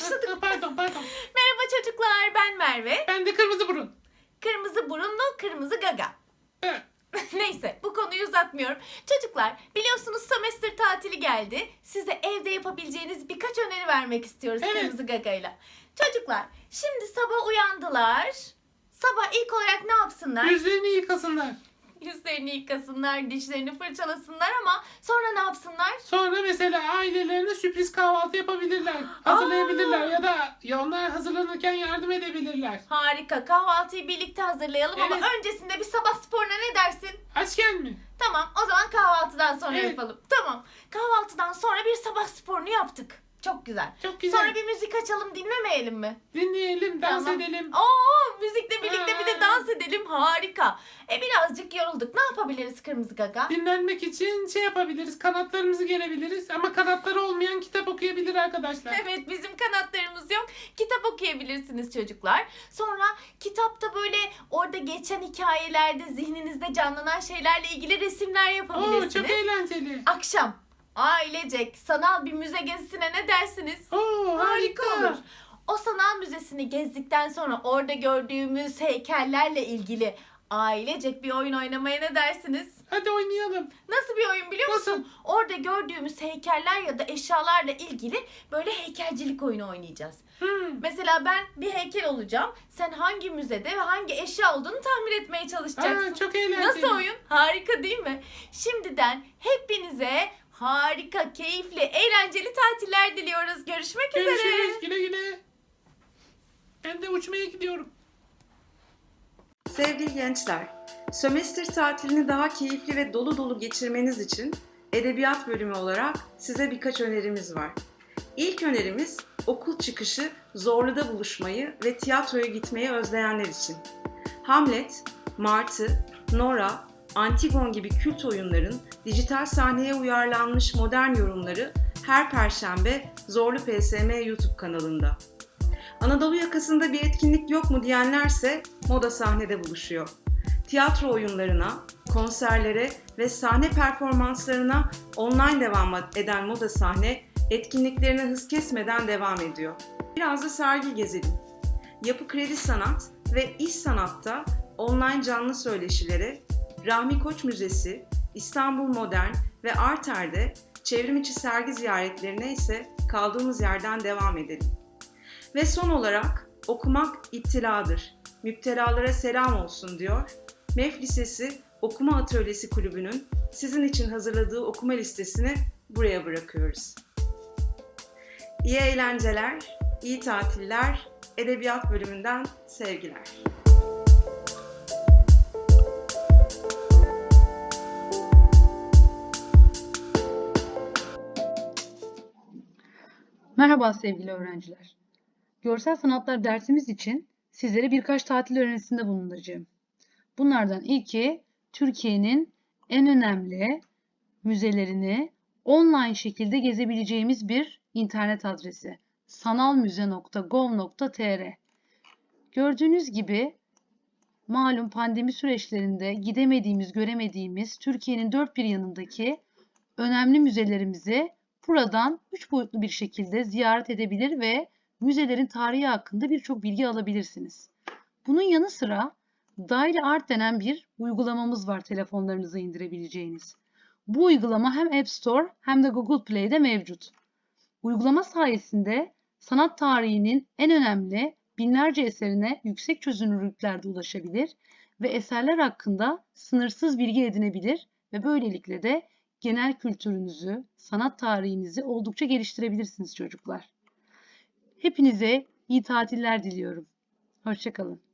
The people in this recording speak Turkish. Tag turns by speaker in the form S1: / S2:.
S1: başladık.
S2: Pardon.
S1: Merhaba çocuklar, ben Merve.
S2: Ben de kırmızı burun.
S1: Kırmızı burunlu, kırmızı gaga.
S2: Evet.
S1: Neyse, bu konuyu uzatmıyorum. Çocuklar, biliyorsunuz sömestr tatili geldi. Size evde yapabileceğiniz birkaç öneri vermek istiyoruz
S2: Evet.
S1: kırmızı gagayla. Çocuklar, şimdi sabah uyandılar. Sabah ilk olarak ne yapsınlar?
S2: Yüzlerini yıkasınlar.
S1: Yüzlerini yıkasınlar, dişlerini fırçalasınlar ama sonra ne yapsınlar?
S2: Sonra mesela ailelerine sürpriz kahvaltı yapabilirler. Hazırlayabilirler ya da onlar hazırlanırken yardım edebilirler.
S1: Harika, kahvaltıyı birlikte hazırlayalım ama
S2: Evet.
S1: öncesinde bir sabah sporuna ne dersin?
S2: Açken mi?
S1: Tamam, o zaman kahvaltıdan sonra
S2: Evet.
S1: yapalım. Tamam, kahvaltıdan sonra bir sabah sporunu yaptık. Çok güzel.
S2: Çok güzel.
S1: Sonra bir müzik açalım, dinlemeyelim mi?
S2: Dinleyelim, dans
S1: Tamam.
S2: edelim.
S1: Oo, müzikle birlikte bir de
S2: Aa.
S1: dans edelim. Harika. Birazcık yorulduk. Ne yapabiliriz kırmızı gaga?
S2: Dinlenmek için şey yapabiliriz, kanatlarımızı gerebiliriz. Ama kanatları olmayan kitap okuyabilir arkadaşlar.
S1: Evet, bizim kanatlarımız yok. Kitap okuyabilirsiniz çocuklar. Sonra kitapta böyle orada geçen hikayelerde zihninizde canlanan şeylerle ilgili resimler
S2: Oo,
S1: yapabilirsiniz.
S2: çok eğlenceli.
S1: Akşam ailecek sanal bir müze gezisine ne dersiniz?
S2: Oo, harika
S1: olur. O sanal müzesini gezdikten sonra orada gördüğümüz heykellerle ilgili ailecek bir oyun oynamaya ne dersiniz?
S2: Hadi oynayalım.
S1: Nasıl bir oyun biliyor musun?
S2: Nasıl?
S1: Orada gördüğümüz heykeller ya da eşyalarla ilgili böyle heykelcilik oyunu oynayacağız. Mesela ben bir heykel olacağım. Sen hangi müzede ve hangi eşya olduğunu tahmin etmeye çalışacaksın.
S2: Çok eğlenceli.
S1: Nasıl oyun? Harika değil mi? Şimdiden hepinize harika, keyifli, eğlenceli tatiller diliyoruz. Görüşmek üzere.
S2: Görüşürüz. Güle güle. Ben de uçmaya gidiyorum.
S3: Sevgili gençler, sömestr tatilini daha keyifli ve dolu dolu geçirmeniz için edebiyat bölümü olarak size birkaç önerimiz var. İlk önerimiz okul çıkışı Zorlu'da buluşmayı ve tiyatroya gitmeyi özleyenler için. Hamlet, Martı, Nora, Antigon gibi kült oyunların dijital sahneye uyarlanmış modern yorumları her Perşembe Zorlu PSM YouTube kanalında. Anadolu yakasında bir etkinlik yok mu diyenlerse Moda Sahne'de buluşuyor. Tiyatro oyunlarına, konserlere ve sahne performanslarına online devam eden Moda Sahne etkinliklerine hız kesmeden devam ediyor. Biraz da sergi gezelim. Yapı Kredi Sanat ve İş Sanat'ta online canlı söyleşilere, Rahmi Koç Müzesi, İstanbul Modern ve Arter'de çevrimiçi sergi ziyaretlerine ise kaldığımız yerden devam edelim. Ve son olarak okumak iptiladır. Müptelalara selam olsun diyor. MEF Lisesi Okuma Atölyesi Kulübü'nün sizin için hazırladığı okuma listesini buraya bırakıyoruz. İyi eğlenceler, iyi tatiller, edebiyat bölümünden sevgiler.
S4: Merhaba sevgili öğrenciler. Görsel sanatlar dersimiz için sizlere birkaç tatil önerisinde bulunacağım. Bunlardan ilki Türkiye'nin en önemli müzelerini online şekilde gezebileceğimiz bir internet adresi sanalmuze.gov.tr. Gördüğünüz gibi malum pandemi süreçlerinde gidemediğimiz, göremediğimiz Türkiye'nin dört bir yanındaki önemli müzelerimizi buradan 3 boyutlu bir şekilde ziyaret edebilir ve müzelerin tarihi hakkında birçok bilgi alabilirsiniz. Bunun yanı sıra Daily Art denen bir uygulamamız var telefonlarınıza indirebileceğiniz. Bu uygulama hem App Store hem de Google Play'de mevcut. Uygulama sayesinde sanat tarihinin en önemli binlerce eserine yüksek çözünürlüklerde ulaşabilir ve eserler hakkında sınırsız bilgi edinebilir ve böylelikle de genel kültürünüzü, sanat tarihinizi oldukça geliştirebilirsiniz çocuklar. Hepinize iyi tatiller diliyorum. Hoşça kalın.